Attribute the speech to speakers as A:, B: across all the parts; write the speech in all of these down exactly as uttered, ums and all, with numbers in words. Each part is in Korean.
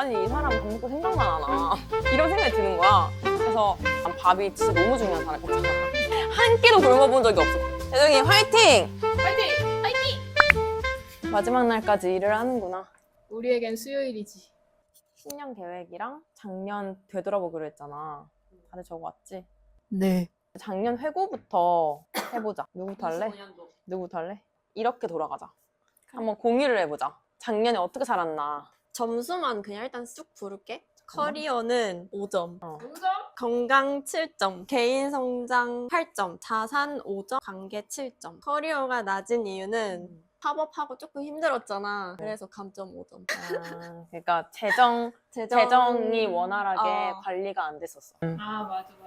A: 아니 이 사람 밥 먹고 생각만 하나 이런 생각이 드는 거야. 그래서 난 밥이 진짜 너무 중요한 사람이잖아. 한 끼도 굶어본 적이 없어. 재정이 화이팅!
B: 파이팅! 파이팅!
A: 마지막 날까지 일을 하는구나.
B: 우리에겐 수요일이지.
A: 신년 계획이랑 작년 되돌아보기로 했잖아. 다들 적어왔지?
B: 네.
A: 작년 회고부터 해보자. 누구부터 할래? 누구부터 할래? 이렇게 돌아가자. 한번 공유를 해보자. 작년에 어떻게 살았나.
C: 점수만 그냥 일단 쑥 부를게. 커리어는 오 점,
A: 어.
B: 오 점?
C: 건강 칠 점, 개인 성장 팔 점, 자산 오 점, 관계 칠 점. 커리어가 낮은 이유는
A: 음.
C: 팝업하고 조금 힘들었잖아. 그래서 감점 오 점.
A: 아, 그러니까 재정,
C: 재정...
A: 재정이 원활하게
C: 어.
A: 관리가 안 됐었어.
B: 아 맞아 맞아.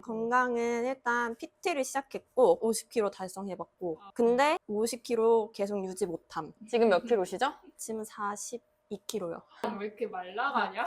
C: 건강은 일단 피티를 시작했고 오십 킬로그램 달성해봤고 근데 오십 킬로그램 계속 유지 못함.
A: 지금 몇 킬로시죠?
C: 지금 사십이 킬로그램요.
B: 왜 이렇게 말라가냐?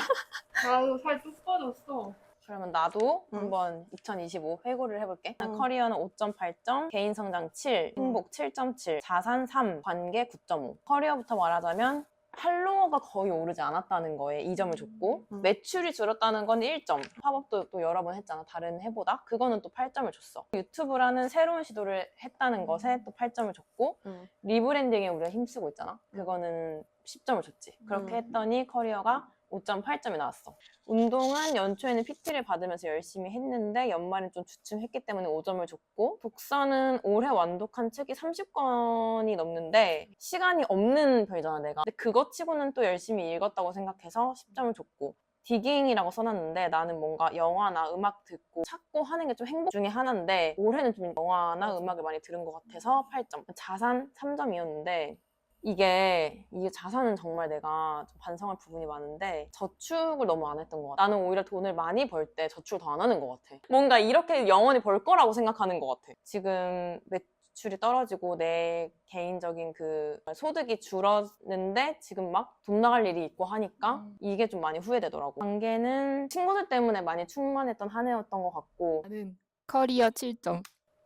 B: 나도 살 뚝 빠졌어.
A: 그러면 나도
C: 응.
A: 한번 이천이십오 회고를 해볼게.
C: 응.
A: 커리어는 오 점 팔 점, 개인 성장 칠, 행복 칠 점 칠, 자산 삼, 관계 구 점 오. 커리어부터 말하자면 팔로워가 거의 오르지 않았다는 거에 이 점을 줬고
C: 음.
A: 매출이 줄었다는 건 일 점. 팝업도 또 여러 번 했잖아. 다른 해보다. 그거는 또 팔 점을 줬어. 유튜브라는 새로운 시도를 했다는 것에 또 팔 점을 줬고
C: 음.
A: 리브랜딩에 우리가 힘쓰고 있잖아. 그거는 십 점을 줬지. 그렇게
C: 음.
A: 했더니 커리어가 오 점 팔 점이 나왔어. 운동은 연초에는 피티를 받으면서 열심히 했는데 연말엔 좀 주춤했기 때문에 오 점을 줬고 독서는 올해 완독한 책이 삼십 권이 넘는데 시간이 없는 편이잖아 내가. 근데 그거 치고는 또 열심히 읽었다고 생각해서 십 점을 줬고 디깅이라고 써놨는데 나는 뭔가 영화나 음악 듣고 찾고 하는 게 좀 행복 중에 하나인데 올해는 좀 영화나 음악을 많이 들은 것 같아서 팔 점. 자산 삼 점이었는데 이게 이게 자산은 정말 내가 좀 반성할 부분이 많은데 저축을 너무 안 했던 것 같아. 나는 오히려 돈을 많이 벌 때 저축을 더 안 하는 것 같아. 뭔가 이렇게 영원히 벌 거라고 생각하는 것 같아. 지금 매출이 떨어지고 내 개인적인 그 소득이 줄었는데 지금 막 돈 나갈 일이 있고 하니까
B: 음.
A: 이게 좀 많이 후회되더라고. 관계는 친구들 때문에 많이 충만했던 한 해였던 것 같고.
B: 나는 커리어 칠 점.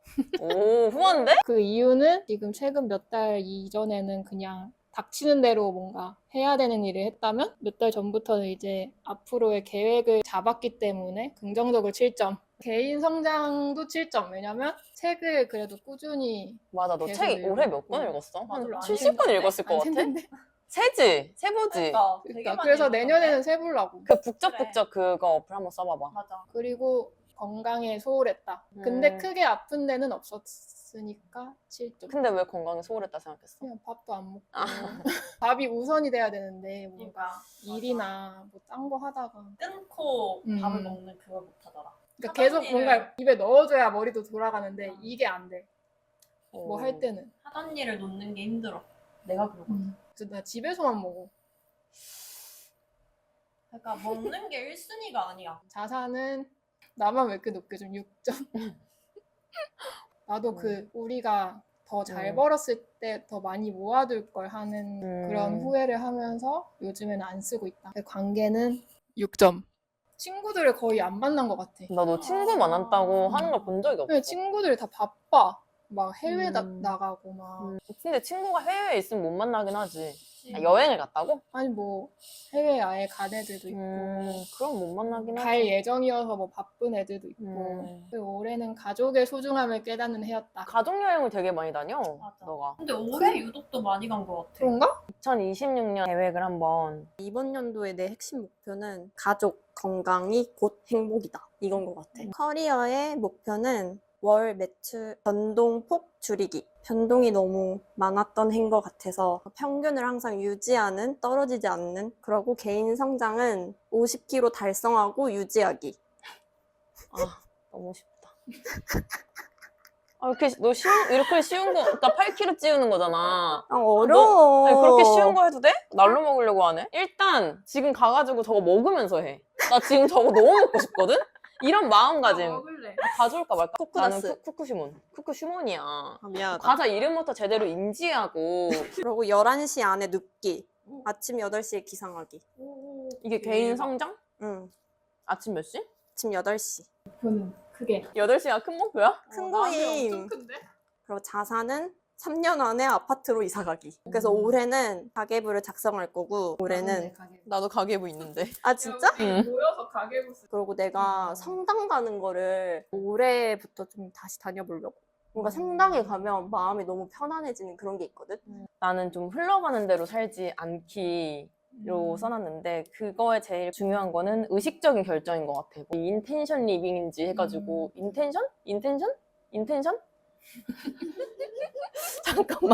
A: 오 후한데?
B: 그 이유는 지금 최근 몇 달 이전에는 그냥 닥치는 대로 뭔가 해야 되는 일을 했다면 몇 달 전부터는 이제 앞으로의 계획을 잡았기 때문에 긍정적으로 칠 점. 개인 성장도 칠 점. 왜냐면 책을 그래도 꾸준히
A: 맞아 너
B: 계속
A: 책 올해 몇 권
B: 읽고.
A: 읽었어?
B: 별로
A: 한
B: 안
A: 칠십 권
B: 생겼네?
A: 읽었을 것
B: 안
A: 같아?
B: 생겼네?
A: 세지? 세보지?
B: 그러니까 그래서 내년에는 세보려고.
A: 그 북적북적 그거 어플 한번 써봐봐.
D: 맞아.
B: 그리고 건강에 소홀했다. 근데
A: 음.
B: 크게 아픈 데는 없었으니까 칠 점.
A: 근데 왜 건강에 소홀했다 생각했어?
B: 그냥 밥도 안 먹고
A: 아.
B: 밥이 우선이 돼야 되는데 뭔가
D: 그러니까
B: 일이나 뭐 딴 거 하다가
D: 끊고
B: 음.
D: 밥을 먹는 그걸 못하더라.
B: 그러니까 계속
D: 하던 일을-
B: 뭔가 입에 넣어줘야 머리도 돌아가는데
D: 음.
B: 이게 안 돼. 뭐 할 때는.
D: 하던 일을 놓는 게 힘들어. 내가 그러거든.
B: 그래서 나 집에서만 먹어.
D: 그러니까 먹는 게 일 순위가 아니야.
B: 자산은 나만 왜 이렇게 높게 좀 육 점. 나도 그 우리가 더 잘
A: 음.
B: 벌었을 때 더 많이 모아둘 걸 하는
A: 음.
B: 그런 후회를 하면서 요즘에는 안 쓰고 있다. 관계는 육 점. 친구들을 거의 안 만난 것 같아.
A: 나 너 친구 만났다고 하는 걸 본 적이 없어.
B: 왜 친구들이 다 바빠. 막 해외 다
A: 음.
B: 나가고 막.
A: 음. 근데 친구가 해외에 있으면 못 만나긴 하지.
D: 그치?
A: 아, 여행을 갔다고?
B: 아니 뭐 해외 아예 간 애들도 있고
A: 음, 그럼 못 만나긴
B: 갈
A: 하지.
B: 예정이어서 뭐 바쁜 애들도 있고.
A: 음.
B: 그리고 올해는 가족의 소중함을 깨닫는 해였다.
A: 가족 여행을 되게 많이 다녀.
D: 맞아.
A: 너가.
D: 근데 올해 유독 더 많이 간 것 같아.
B: 그런가?
A: 이천이십육 년 계획을 한번.
C: 이번 연도의 내 핵심 목표는 가족 건강이 곧 행복이다. 이건 것 같아. 커리어의 목표는 월 매출 변동폭 줄이기. 변동이 너무 많았던 해인 것 같아서 평균을 항상 유지하는, 떨어지지 않는. 그리고 개인 성장은 오십 킬로그램 달성하고 유지하기.
A: 아, 너무 쉽다. 아, 이렇게, 너 쉬운, 이렇게 쉬운 거, 그러니까 팔 킬로그램 찌우는 거잖아.
C: 아, 어려워.
A: 아니, 그렇게 쉬운 거 해도 돼? 날로 먹으려고 하네? 일단 지금 가가지고 저거 먹으면서 해. 나 지금 저거 너무 먹고 싶거든? 이런 마음가짐.
B: 먹을래.
A: 가져올까 말까?
C: 쿠쿠다스.
A: 나는 쿠, 쿠쿠시몬. 쿠쿠슈몬이야.
C: 아, 미안하다.
A: 과자 이름부터 제대로 인지하고.
C: 그리고 열한 시 안에 눕기. 아침 여덟 시에 기상하기.
A: 이게 개인 성장?
C: 응.
A: 아침 몇 시?
C: 아침 여덟 시.
B: 목표는 크게.
A: 여덟 시가 큰 목표야?
C: 큰
B: 어, 나한테
C: 거임.
B: 엄청 큰데?
C: 그리고 자산은 삼 년 안에 아파트로 이사 가기. 그래서
A: 음.
C: 올해는 가계부를 작성할 거고 올해는
A: 나도 가계부 있는데.
C: 아 진짜?
A: 응.
B: 모여서 가계부 쓰.
C: 그리고 내가
B: 음.
C: 성당 가는 거를 올해부터 좀 다시 다녀보려고. 뭔가 성당에 가면 마음이 너무 편안해지는 그런 게 있거든.
A: 나는 좀 흘러가는 대로 살지 않기로
B: 음.
A: 써놨는데 그거에 제일 중요한 거는 의식적인 결정인 것 같아. 뭐 인텐션 리빙인지 해가지고 인텐션? 인텐션? 인텐션? 잠깐만.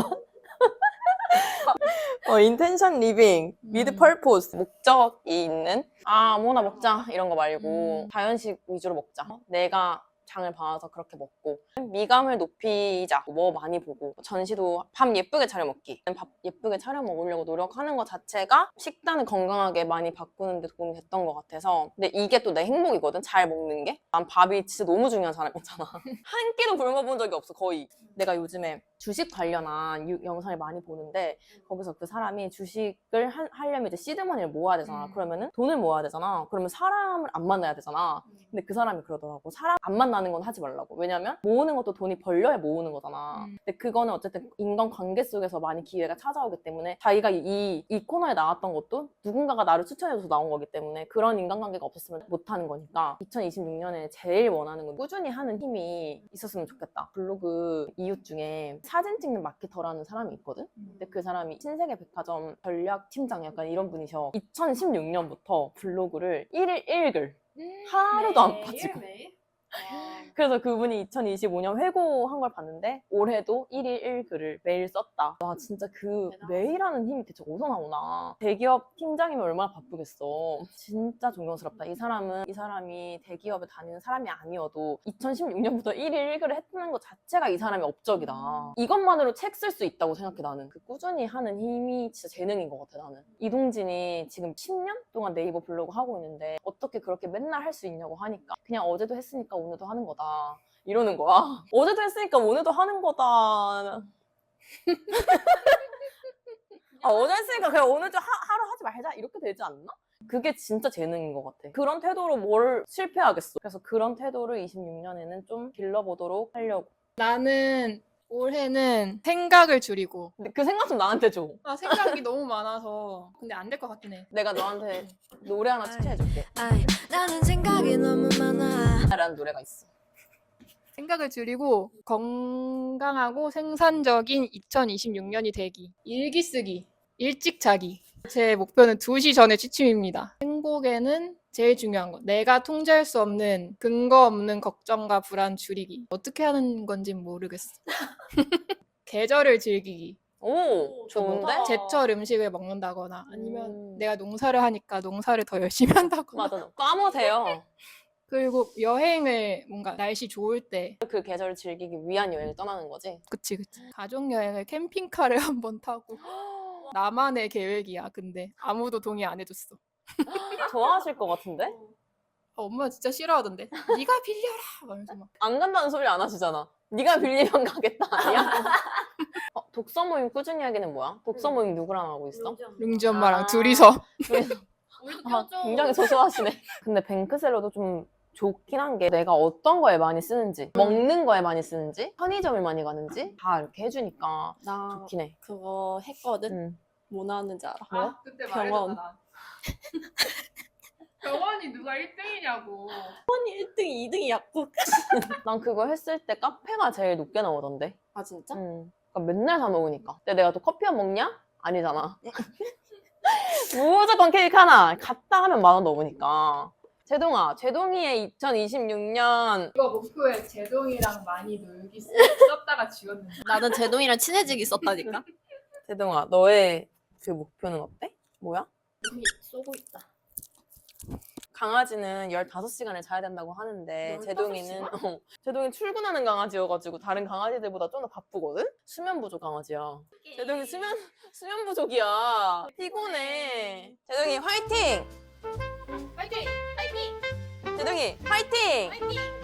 A: 어, 인텐션 리빙, with
B: 음.
A: purpose, 목적이 있는 아, 아무나 먹자 이런 거 말고
B: 음.
A: 자연식 위주로 먹자. 내가 장을 봐서 그렇게 먹고 미감을 높이자. 뭐 많이 보고 전시도 밥 예쁘게 차려 먹기. 밥 예쁘게 차려 먹으려고 노력하는 것 자체가 식단을 건강하게 많이 바꾸는 데 도움이 됐던 것 같아서. 근데 이게 또 내 행복이거든, 잘 먹는 게. 난 밥이 진짜 너무 중요한 사람이잖아. 한 끼도 굶어본 적이 없어, 거의. 내가 요즘에 주식 관련한 유- 영상을 많이 보는데 거기서 그 사람이 주식을 하, 하려면 이제 시드머니를 모아야 되잖아.
B: 음.
A: 그러면은 돈을 모아야 되잖아. 그러면 사람을 안 만나야 되잖아. 근데 그 사람이 그러더라고. 사람 안 만나는 건 하지 말라고. 왜냐면 모으는 것도 돈이 벌려야 모으는 거잖아.
B: 음.
A: 근데 그거는 어쨌든 인간관계 속에서 많이 기회가 찾아오기 때문에 자기가 이, 이 코너에 나왔던 것도 누군가가 나를 추천해줘서 나온 거기 때문에 그런 인간관계가 없었으면 못하는 거니까 이천이십육 년에 제일 원하는 건 꾸준히 하는 힘이 있었으면 좋겠다. 블로그 이웃 중에 사진 찍는 마케터라는 사람이 있거든? 근데 그 사람이 신세계 백화점 전략팀장 약간 이런 분이셔. 이천십육 년부터 블로그를 일일 일글 하루도 안 빠지고.
D: 매일?
A: 그래서 그분이 이천이십오 년 회고한 걸 봤는데 올해도 일일 일글을 매일 썼다. 와 진짜 그
D: 대단하다.
A: 매일 하는 힘이 대체 어디서 나오나. 대기업 팀장이면 얼마나 바쁘겠어. 진짜 존경스럽다. 이 사람은 이 사람이 대기업에 다니는 사람이 아니어도 이천십육 년부터 일일 일글을 했다는 것 자체가 이 사람의 업적이다. 이것만으로 책 쓸 수 있다고 생각해. 나는 그 꾸준히 하는 힘이 진짜 재능인 것 같아. 나는 이동진이 지금 십 년 동안 네이버 블로그 하고 있는데 어떻게 그렇게 맨날 할 수 있냐고 하니까 그냥 어제도 했으니까 오늘도 하는 거다 이러는 거야. 어제도 했으니까 오늘도 하는 거다. 아, 어제 했으니까 그냥 오늘도 하, 하루 하지 말자 이렇게 되지 않나? 그게 진짜 재능인 것 같아. 그런 태도로 뭘 실패하겠어. 그래서 그런 태도를 이십육 년에는 좀 길러보도록 하려고.
B: 나는 올해는 생각을 줄이고.
A: 근데 그 생각 좀 나한테 줘.
B: 아 생각이 너무 많아서. 근데 안 될 것 같긴 해.
A: 내가 너한테 노래 하나 추천해줄게.
E: 아이, 나는 생각이 너무 많아.
A: 라는 노래가 있어.
B: 생각을 줄이고 건강하고 생산적인 이천이십육 년이 되기. 일기 쓰기. 일찍 자기. 제 목표는 두 시 전에 취침입니다. 행복에는 제일 중요한 거. 내가 통제할 수 없는 근거 없는 걱정과 불안 줄이기. 어떻게 하는 건지 모르겠어. 계절을 즐기기.
A: 오, 좋은데?
D: 좋다.
B: 제철 음식을 먹는다거나 아니면
A: 음.
B: 내가 농사를 하니까 농사를 더 열심히 한다거나.
A: 맞아. 까먹으세요.
B: 그리고 여행을 뭔가 날씨 좋을 때.
A: 그 계절을 즐기기 위한 여행을 떠나는 거지.
B: 그치 그치. 가족 여행을 캠핑카를 한번 타고. 나만의 계획이야. 근데 아무도 동의 안 해줬어.
A: 좋아하실 것 같은데?
B: 아, 엄마가 진짜 싫어하던데. 네가 빌려라. 말면서 막.
A: 안 간다는 소리 안 하시잖아. 네가 빌리면 가겠다 아니야? 어, 독서 모임 꾸준히 하기는 뭐야? 독서 모임 누구랑 하고 있어?
B: 룽지 엄마랑
A: 아.
B: 둘이서.
A: 그래서
D: 우리도
A: 아,
D: 껴줘.
A: 굉장히 소소하시네. 근데 뱅크셀러도 좀 좋긴 한 게 내가 어떤 거에 많이 쓰는지, 먹는 거에 많이 쓰는지, 편의점을 많이 가는지 다 이렇게 해주니까
C: 나
A: 좋긴 해.
C: 그거 했거든.
A: 응.
C: 뭐 나왔는지 알아?
A: 뭐?
B: 그때
C: 병원.
B: 말했잖아. 병원이 누가 일 등이냐고.
C: 일 등, 이 등이 약국.
A: 난 그거 했을 때 카페가 제일 높게 나오던데.
C: 아 진짜?
A: 응. 그러니까 맨날 사 먹으니까. 근데 내가 또 커피만 먹냐? 아니잖아. 무조건 케이크 하나. 갔다 하면 만 원 넘으니까. 제동아, 제동이의 이천이십육 년
B: 이거 목표에 제동이랑 많이 놀기 쓰- 썼다가 지웠는데.
C: 나는 제동이랑 친해지기 썼다니까.
A: 제동아, 너의 그 목표는 어때? 뭐야?
C: 이미 쏘고 있다.
A: 강아지는 열다섯 시간을 자야 된다고 하는데 제동이는 어, 제동이 출근하는 강아지여가지고 다른 강아지들보다 좀 더 바쁘거든? 수면 부족 강아지야. 제동이 수면 수면 부족이야. 피곤해. 제동이 화이팅!
B: 파이팅!
A: 제동이 화이팅!
D: 파이팅!